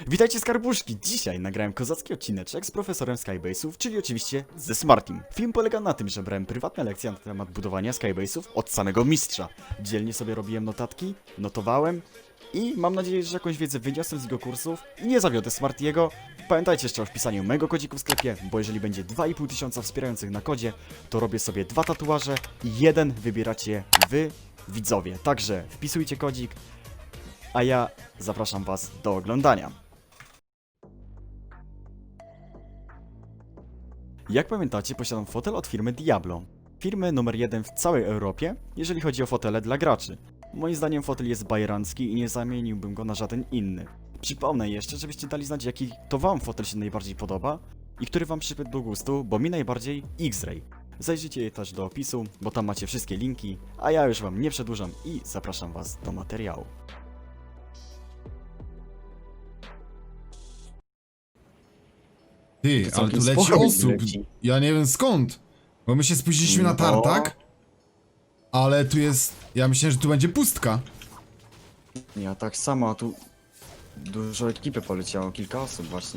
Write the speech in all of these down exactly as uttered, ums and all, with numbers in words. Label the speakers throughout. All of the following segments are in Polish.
Speaker 1: Witajcie skarbuszki! Dzisiaj nagrałem kozacki odcineczek z profesorem Skybase'ów, czyli oczywiście ze Smartim. Film polega na tym, że brałem prywatne lekcje na temat budowania Skybase'ów od samego mistrza. Dzielnie sobie robiłem notatki, notowałem i mam nadzieję, że jakąś wiedzę wyniosłem z jego kursów i nie zawiodę Smartiego. Pamiętajcie jeszcze o wpisaniu mojego kodziku w sklepie, bo jeżeli będzie dwa i pół tysiąca wspierających na kodzie, to robię sobie dwa tatuaże i jeden wybieracie wy, widzowie. Także wpisujcie kodzik, a ja zapraszam was do oglądania. Jak pamiętacie, posiadam fotel od firmy Diablo. Firmy numer jeden w całej Europie, jeżeli chodzi o fotele dla graczy. Moim zdaniem fotel jest bajerancki i nie zamieniłbym go na żaden inny. Przypomnę jeszcze, żebyście dali znać, jaki to wam fotel się najbardziej podoba i który wam przypadł do gustu, bo mi najbardziej X-Ray. Zajrzyjcie też do opisu, bo tam macie wszystkie linki, a ja już wam nie przedłużam i zapraszam was do materiału.
Speaker 2: Ty,
Speaker 1: To
Speaker 2: ale tu
Speaker 1: całkiem
Speaker 2: leci
Speaker 1: sporo
Speaker 2: osób.
Speaker 1: leci.
Speaker 2: Ja nie wiem skąd. Bo my się spóźniliśmy na
Speaker 1: No.
Speaker 2: tartak. Ale tu jest... Ja myślałem, że tu będzie pustka.
Speaker 1: Ja tak samo, a tu dużo ekipy poleciało, kilka osób właśnie.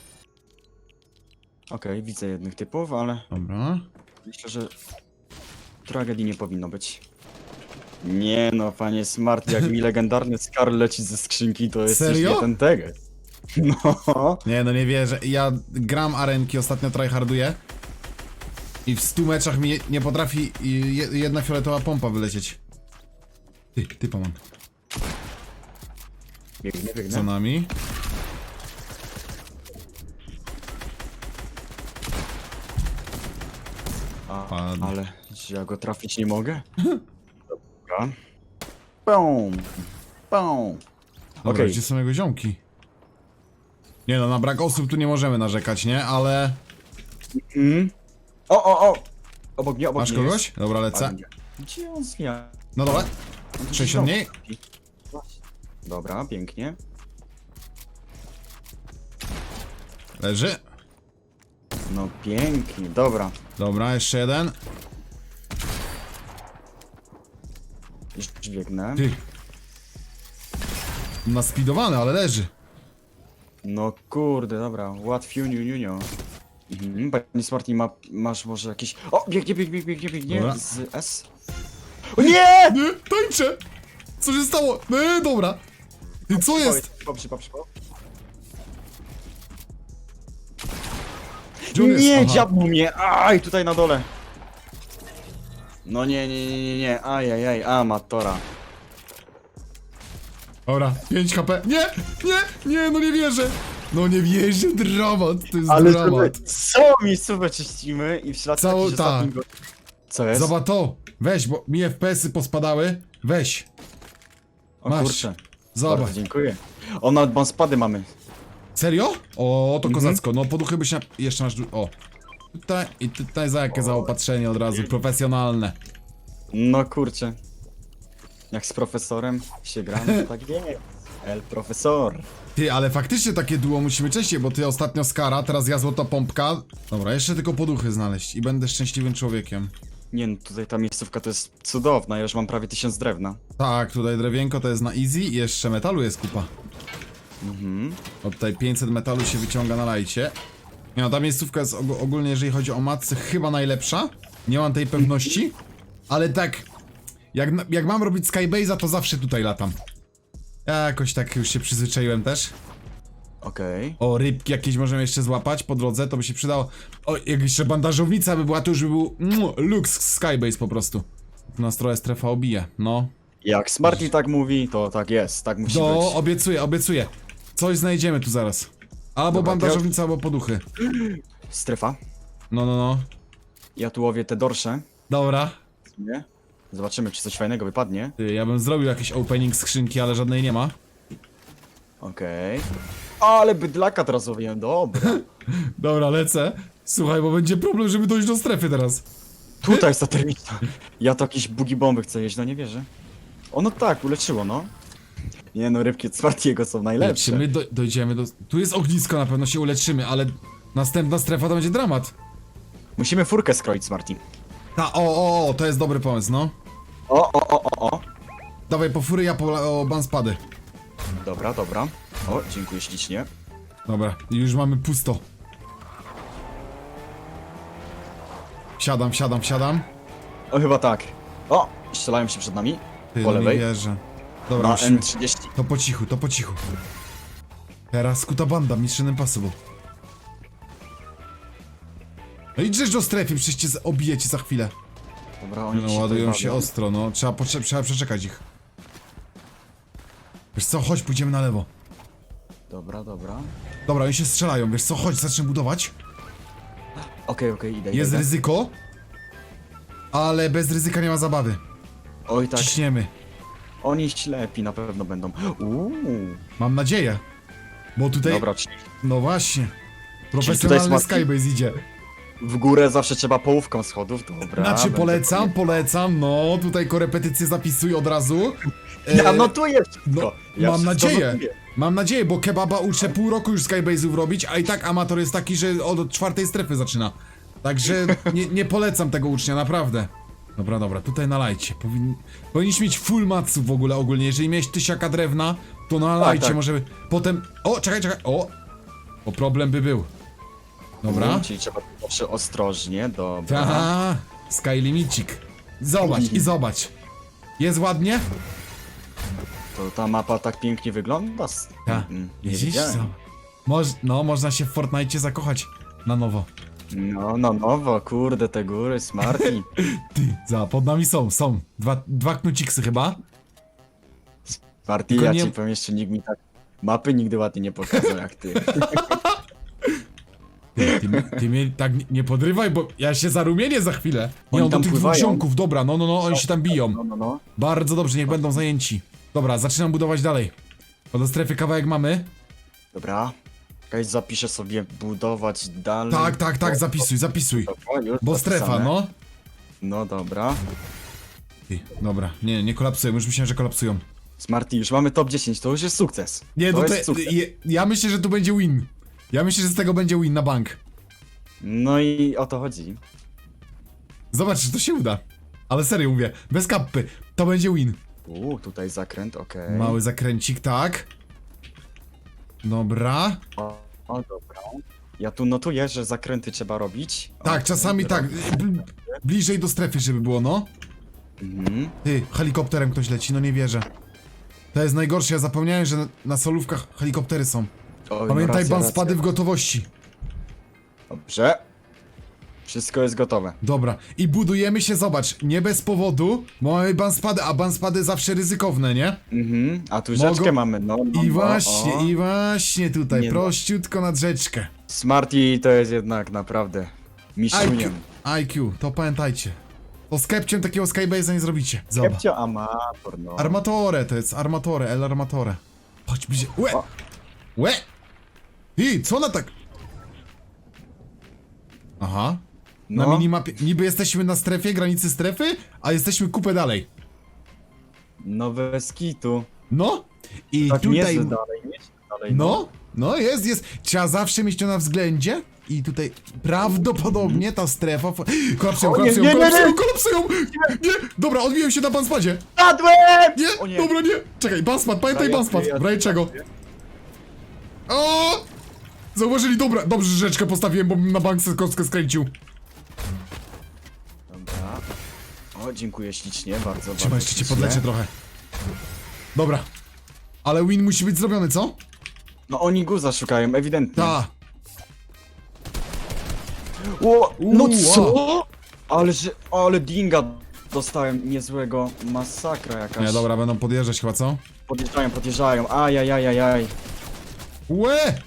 Speaker 1: Okej, widzę jednych typów, ale
Speaker 2: Dobra.
Speaker 1: myślę, że tragedii nie powinno być. Nie no, panie Smart, jak mi legendarny Scar leci ze skrzynki, to jest
Speaker 2: Serio?
Speaker 1: nie ten teges. No.
Speaker 2: Nie, no nie wierzę. Ja gram arenki, ostatnio tryharduję. I w stu meczach mi nie potrafi i je- jedna fioletowa pompa wylecieć. Ty, typa mam.
Speaker 1: Biegnie,
Speaker 2: Za
Speaker 1: biegnie.
Speaker 2: nami.
Speaker 1: A,
Speaker 2: Padł.
Speaker 1: ale czy ja go trafić nie mogę? Dobra. Pum, pum.
Speaker 2: Dobra,
Speaker 1: Okej.
Speaker 2: gdzie są jego ziomki? Nie no, na brak osób tu nie możemy narzekać, nie? Ale...
Speaker 1: Mm. O, o, o! Obok mnie, obok
Speaker 2: Masz
Speaker 1: mnie
Speaker 2: kogoś?
Speaker 1: jest.
Speaker 2: Dobra, lecę.
Speaker 1: Gdzie on zmienia?
Speaker 2: No dole. sześćdziesiąt mniej?
Speaker 1: Dobra, pięknie.
Speaker 2: Leży.
Speaker 1: No pięknie, dobra.
Speaker 2: Dobra, jeszcze jeden.
Speaker 1: Już biegnę.
Speaker 2: Ty. Naspidowany, ale leży.
Speaker 1: No kurde, dobra, łatwiuniu, niunio. Mhm, panie Smarty, ma, masz może jakieś... O, biegnie, biegnie, biegnie, biegnie,
Speaker 2: Dobra.
Speaker 1: z S. O nie!
Speaker 2: Nie, tańczę! Co się stało? Nie, dobra. Ty, co jest?
Speaker 1: Przypał, przypał, przypał.
Speaker 2: Gdzie on jest?
Speaker 1: Nie,
Speaker 2: Aha.
Speaker 1: dziabnął mnie, aj, tutaj na dole. No nie, nie, nie, nie, nie, ajajaj, amatora.
Speaker 2: Dobra, pięć H P. Nie, nie, nie, no nie wierzę. No nie wierzę, dramat, to jest
Speaker 1: Ale
Speaker 2: dramat.
Speaker 1: sobie, co miejscówę czyścimy i w ślad
Speaker 2: Całą-
Speaker 1: jakiś
Speaker 2: tak.
Speaker 1: ostatni go... Co jest?
Speaker 2: Zobacz to, weź, bo mi F P S-y pospadały. Weź,
Speaker 1: O
Speaker 2: masz.
Speaker 1: kurczę,
Speaker 2: zobacz.
Speaker 1: bardzo dziękuję. O, nawet bonspady mamy.
Speaker 2: Serio? O, to
Speaker 1: Mhm.
Speaker 2: kozacko, no poduchy byś na... Jeszcze masz... du- O. Tutaj i tutaj za jakie zaopatrzenie od razu, profesjonalne.
Speaker 1: No kurczę. Jak z profesorem się gramy, to tak wie. El profesor.
Speaker 2: Ty, ale faktycznie takie duo musimy częściej, bo ty ostatnio Skara, teraz ja złota pompka. Dobra, jeszcze tylko poduchy znaleźć i będę szczęśliwym człowiekiem.
Speaker 1: Nie no, tutaj ta miejscówka to jest cudowna, ja już mam prawie tysiąc drewna.
Speaker 2: Tak, tutaj drewienko to jest na easy i jeszcze metalu jest kupa.
Speaker 1: Mhm.
Speaker 2: O, tutaj pięćset metalu się wyciąga na lajcie. Nie no, ta miejscówka jest og ogólnie, jeżeli chodzi o matce, chyba najlepsza. Nie mam tej pewności, ale tak, jak, na- jak mam robić Skybase'a, to zawsze tutaj latam. Ja jakoś tak już się przyzwyczaiłem też.
Speaker 1: Okej.
Speaker 2: O, rybki jakieś możemy jeszcze złapać po drodze, to by się przydało. O, jak jeszcze bandażownica by była, to już by był mm, lux Skybase po prostu. Nastroje strefa obije, no.
Speaker 1: Jak Smarty tak mówi, to tak jest, tak musi
Speaker 2: No,
Speaker 1: być.
Speaker 2: obiecuję, obiecuję. Coś znajdziemy tu zaraz. Albo
Speaker 1: Dobra,
Speaker 2: bandażownica, albo poduchy.
Speaker 1: Strefa.
Speaker 2: No, no, no.
Speaker 1: Ja tu łowię te dorsze.
Speaker 2: Dobra.
Speaker 1: Nie? Zobaczymy, czy coś fajnego wypadnie.
Speaker 2: Ty, ja bym zrobił jakiś opening skrzynki, ale żadnej nie ma.
Speaker 1: Okej. Ale bydlaka teraz łowiłem, dobra.
Speaker 2: Dobra, lecę. Słuchaj, bo będzie problem, żeby dojść do strefy teraz.
Speaker 1: Tutaj jest ta termiczna. Ja to jakieś bugi bomby chcę jeść, no nie wierzę. Ono tak, uleczyło, no. Nie no, rybki od Smartiego są najlepsze.
Speaker 2: Czy my do, dojdziemy do... Tu jest ognisko, na pewno się uleczymy, ale... Następna strefa to będzie dramat.
Speaker 1: Musimy furkę skroić, Smarty.
Speaker 2: Ta, o, o, o, to jest dobry pomysł, no.
Speaker 1: O, o, o, o, o.
Speaker 2: Dawaj po fury, ja po o, banspady.
Speaker 1: Dobra, dobra. O, dziękuję ślicznie.
Speaker 2: Dobra, już mamy pusto. Wsiadam, wsiadam, wsiadam.
Speaker 1: O, chyba tak. O, strzelają się przed nami.
Speaker 2: Ty,
Speaker 1: Po
Speaker 2: no nie
Speaker 1: lewej.
Speaker 2: wierzę. Dobra,
Speaker 1: Na
Speaker 2: musimy...
Speaker 1: N trzydzieści.
Speaker 2: To po cichu, to po cichu. Teraz skuta banda, Mission Impossible. No i drzesz do strefy, przecież cię z- obijecie za chwilę.
Speaker 1: Dobra, oni
Speaker 2: No
Speaker 1: się
Speaker 2: ładują
Speaker 1: tutaj
Speaker 2: się
Speaker 1: bawią.
Speaker 2: ostro, no. Trzeba, potrze- trzeba przeczekać ich. Wiesz co, chodź, pójdziemy na lewo.
Speaker 1: Dobra, dobra.
Speaker 2: Dobra, oni się strzelają, wiesz co, chodź, zacznę budować.
Speaker 1: Okej, okej, idę,
Speaker 2: Jest
Speaker 1: idę.
Speaker 2: ryzyko, ale bez ryzyka nie ma zabawy.
Speaker 1: Oj, tak.
Speaker 2: Ciśniemy.
Speaker 1: Oni ślepi na pewno będą. Uuu.
Speaker 2: Mam nadzieję. Bo tutaj,
Speaker 1: Dobra, czyli
Speaker 2: no właśnie.
Speaker 1: tutaj
Speaker 2: Profesjonalny
Speaker 1: smarty-
Speaker 2: Skybase idzie.
Speaker 1: w górę zawsze trzeba połówką schodów, dobra.
Speaker 2: Znaczy
Speaker 1: będę
Speaker 2: polecam,
Speaker 1: pamiętał.
Speaker 2: polecam, no tutaj korepetycje zapisuj od razu.
Speaker 1: Ja
Speaker 2: E,
Speaker 1: notuję wszystko.
Speaker 2: No,
Speaker 1: Ja
Speaker 2: mam
Speaker 1: wszystko
Speaker 2: nadzieję.
Speaker 1: notuję.
Speaker 2: Mam nadzieję, bo kebaba uczę pół roku już Skybase'ów robić, a i tak amator jest taki, że od czwartej strefy zaczyna. Także nie, nie polecam tego ucznia, naprawdę. Dobra, dobra, tutaj nalajcie. Powin... Powinniśmy mieć full matsów w ogóle ogólnie. Jeżeli miałeś tysiaka drewna, to nalajcie,
Speaker 1: Tak, tak.
Speaker 2: może by... Potem... O, czekaj, czekaj, o! Bo problem by był. Dobra.
Speaker 1: No, czyli trzeba zawsze ostrożnie, dobra.
Speaker 2: Ta, Sky Limicik. Zobacz i zobacz. Jest ładnie?
Speaker 1: To ta mapa tak pięknie wygląda. s-
Speaker 2: Ta.
Speaker 1: Mm, nie
Speaker 2: Widzisz
Speaker 1: wiedziałem.
Speaker 2: co? Moż, no, można się w Fortnite zakochać na nowo.
Speaker 1: No, no, nowo, kurde, te góry, Smarty.
Speaker 2: Ty, za, pod nami są, są. Dwa, dwa knuciksy chyba.
Speaker 1: Smarty,
Speaker 2: Tylko
Speaker 1: ja
Speaker 2: nie-
Speaker 1: ci powiem, jeszcze nikt mi tak mapy nigdy ładnie nie pokazał jak ty.
Speaker 2: Ty, ty, ty mnie tak nie- nie podrywaj, bo ja się zarumienię za chwilę. Nie,
Speaker 1: Oni
Speaker 2: on do
Speaker 1: tam
Speaker 2: tych dwóch
Speaker 1: pływają.
Speaker 2: ziomków, dobra, no, no, no, oni się tam biją.
Speaker 1: No, no, no.
Speaker 2: Bardzo dobrze, niech będą zajęci. Dobra, zaczynam budować dalej. Bo do strefy kawałek mamy.
Speaker 1: Dobra. Czekaj, zapiszę sobie budować dalej.
Speaker 2: Tak, tak, tak, zapisuj, zapisuj.
Speaker 1: Dobra, już
Speaker 2: Bo strefa,
Speaker 1: zapisane.
Speaker 2: no.
Speaker 1: No dobra.
Speaker 2: Ty, dobra, nie, nie kolapsują, już myślałem, że kolapsują.
Speaker 1: Smarty, już mamy top dziesięć, to już jest sukces.
Speaker 2: Nie,
Speaker 1: to
Speaker 2: no
Speaker 1: jest
Speaker 2: to,
Speaker 1: sukces.
Speaker 2: je, ja myślę, że tu będzie win. Ja myślę, że z tego będzie win na bank.
Speaker 1: No i o to chodzi.
Speaker 2: Zobacz, czy to się uda. Ale serio mówię, bez kappy, to będzie win.
Speaker 1: Uuu, tutaj zakręt, okej.
Speaker 2: Mały zakręcik, tak. Dobra.
Speaker 1: O, o, dobra. Ja tu notuję, że zakręty trzeba robić.
Speaker 2: Tak,
Speaker 1: Okej,
Speaker 2: czasami
Speaker 1: dobra.
Speaker 2: tak. bl- Bliżej do strefy, żeby było, no.
Speaker 1: Mhm.
Speaker 2: Ty, helikopterem ktoś leci, no nie wierzę. To jest najgorsze, ja zapomniałem, że na, na solówkach helikoptery są.
Speaker 1: Oj,
Speaker 2: Pamiętaj,
Speaker 1: racja,
Speaker 2: ban
Speaker 1: racja.
Speaker 2: spady w gotowości.
Speaker 1: Dobrze. Wszystko jest gotowe.
Speaker 2: Dobra, i budujemy się, zobacz, nie bez powodu, bo mamy banspady, a banspady zawsze ryzykowne, nie?
Speaker 1: Mhm. A tu
Speaker 2: Mogą-
Speaker 1: rzeczkę mamy, no. no
Speaker 2: I
Speaker 1: no,
Speaker 2: właśnie,
Speaker 1: o.
Speaker 2: i właśnie tutaj,
Speaker 1: Nie no.
Speaker 2: prościutko nad rzeczkę.
Speaker 1: Smarty to jest jednak naprawdę
Speaker 2: I Q,
Speaker 1: mistrzuniem.
Speaker 2: I Q, to pamiętajcie. To z Kepciem takiego Skybase'a nie zrobicie. Zobacz.
Speaker 1: Kepcio amator, no.
Speaker 2: Armatore to jest, armatore, el armatore. Chodź bliżej, łe!
Speaker 1: O.
Speaker 2: Łe! Ty, co ona tak... Aha. Na
Speaker 1: No.
Speaker 2: minimapie, niby jesteśmy na strefie, granicy strefy, a jesteśmy kupę dalej.
Speaker 1: No bez kitu.
Speaker 2: No. I
Speaker 1: Tak nie
Speaker 2: tutaj...
Speaker 1: jest dalej, nie jest dalej.
Speaker 2: No, no jest, jest. Trzeba zawsze mieć to na względzie. I tutaj prawdopodobnie ta strefa... Kolapsują,
Speaker 1: O nie,
Speaker 2: kolapsują,
Speaker 1: nie, nie,
Speaker 2: kolapsują,
Speaker 1: nie.
Speaker 2: kolapsują! Nie! Dobra, odbiłem się na banspadzie.
Speaker 1: Padłem!
Speaker 2: Nie,
Speaker 1: O nie.
Speaker 2: dobra, nie. Czekaj, banspad, pamiętaj
Speaker 1: Dobra, ja-
Speaker 2: banspad.
Speaker 1: ja-
Speaker 2: W razie czego? O! Zauważyli, dobra, dobrze, że rzeczkę postawiłem, bo bym na bank se kostkę skręcił.
Speaker 1: Dobra. O, dziękuję ślicznie, bardzo,
Speaker 2: Trzymaj,
Speaker 1: bardzo
Speaker 2: jeszcze cię
Speaker 1: ślicznie.
Speaker 2: podleczę trochę. Dobra. Ale win musi być zrobiony, co?
Speaker 1: No oni guza szukają, ewidentnie.
Speaker 2: Ta.
Speaker 1: O, no
Speaker 2: Uuu,
Speaker 1: co? Ale że, ale dinga dostałem niezłego, masakra jakaś.
Speaker 2: Nie, dobra, będą podjeżdżać chyba, co?
Speaker 1: Podjeżdżają, podjeżdżają, ajajajajaj.
Speaker 2: Łe!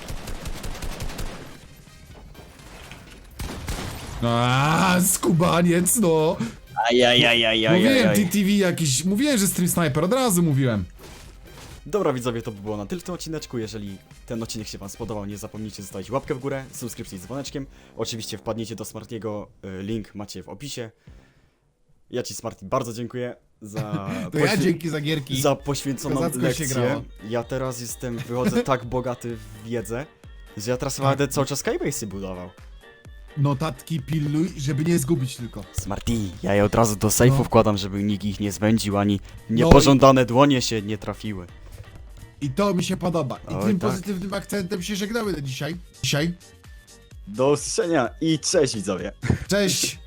Speaker 2: Aaaa, skubaniec, no!
Speaker 1: Ajajajajajaj.
Speaker 2: Mówiłem, T T V jakiś, mówiłem, że stream sniper, od razu mówiłem.
Speaker 1: Dobra widzowie, to by było na tyle w tym odcineczku. Jeżeli ten odcinek się wam spodobał, nie zapomnijcie zostawić łapkę w górę, subskrypcję z dzwoneczkiem. Oczywiście wpadnijcie do Smartiego, y, link macie w opisie. Ja ci Smarty bardzo dziękuję za,
Speaker 2: To ja
Speaker 1: poświe-
Speaker 2: dzięki za gierki.
Speaker 1: za poświęconą
Speaker 2: Kozacko się
Speaker 1: lekcję.
Speaker 2: grało.
Speaker 1: Ja teraz jestem, wychodzę tak bogaty w wiedzę, że ja teraz będę cały czas Skybase'y budował.
Speaker 2: Notatki pilnuj, żeby nie zgubić tylko.
Speaker 1: Smarty, ja je od razu do sejfu
Speaker 2: No.
Speaker 1: wkładam, żeby nikt ich nie zwędził, ani niepożądane dłonie się nie trafiły.
Speaker 2: I to mi się podoba. I
Speaker 1: Oj,
Speaker 2: tym
Speaker 1: tak.
Speaker 2: pozytywnym akcentem się żegnamy na dzisiaj. Dzisiaj.
Speaker 1: Do usłyszenia i cześć widzowie.
Speaker 2: Cześć!